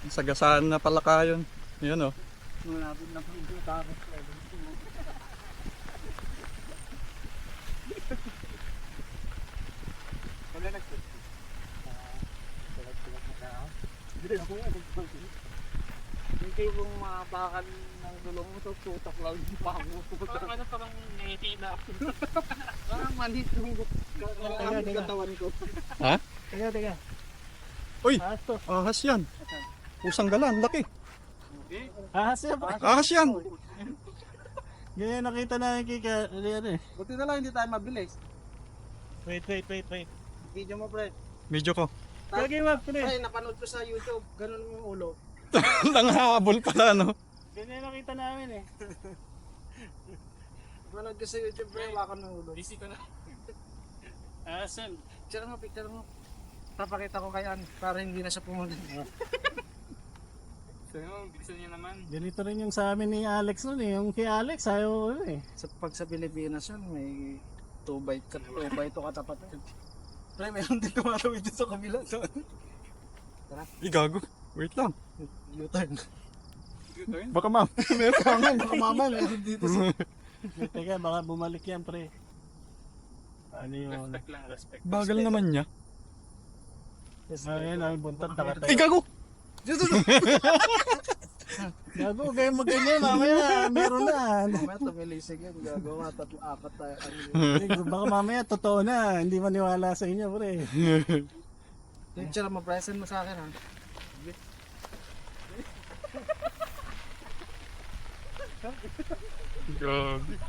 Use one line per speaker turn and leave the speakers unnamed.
Sagasaan na pala kayon. Yan o.
Malapit na po yung tapos. Wala nagtutulog. Tulog-tulog na tao. Hindi ako nga nagtutulog. Hindi kong mabakan ng dulong mo, tutok lang yung pango. Parang ano, parang nahihina ako. Parang manhit yung katawan ko.
Ha?
Teka.
Uy!
Ahas to.
Ahas yan. Pusang galan, laki.
Ahas yan.
Ahas yan.
Ganyan nakita na yung kika. Ano eh. Buti na lang hindi tayo mabilis. Wait. Video mo, pre.
Medyo ko.
Kagi mo, pre. Ay, napanood ko sa YouTube. Ganun yung ulo.
Nanghabol pala, no?
Ganyan nakita namin eh. Napanood ko sa YouTube, pre. Wakan ng ulo. Busy ko na. Saan? Picture mo. Papakita ko kay Ann para hindi na siya pumunta.
Bilisan niya naman.
Ganito rin yung sa amin ni Alex nun eh. Yung kay Alex, ayaw ko eh. Pag sa Pilipinas yun, may 2 by 2 katapat. Pre, meron din tumatawid dito sa kabila.
Gago. Wait lang.
U-turn.
Baka meron pa nga.
Baka mama, meron dito sa... Teka, baka bumalik yan, pre. Ano yun?
Respect lang, respect.
Bagal naman niya.
Ayun, ay buntot, nakatayo.
Gago!
Gago, kayo mag-ganyan, mamaya, meron na. Mamaya tumilisig yan, gago, 3-4 tayo. Baka mamaya, totoo na, hindi maniwala sa inyo, pre. Picture mo, present mo sa akin, ha?
Gago.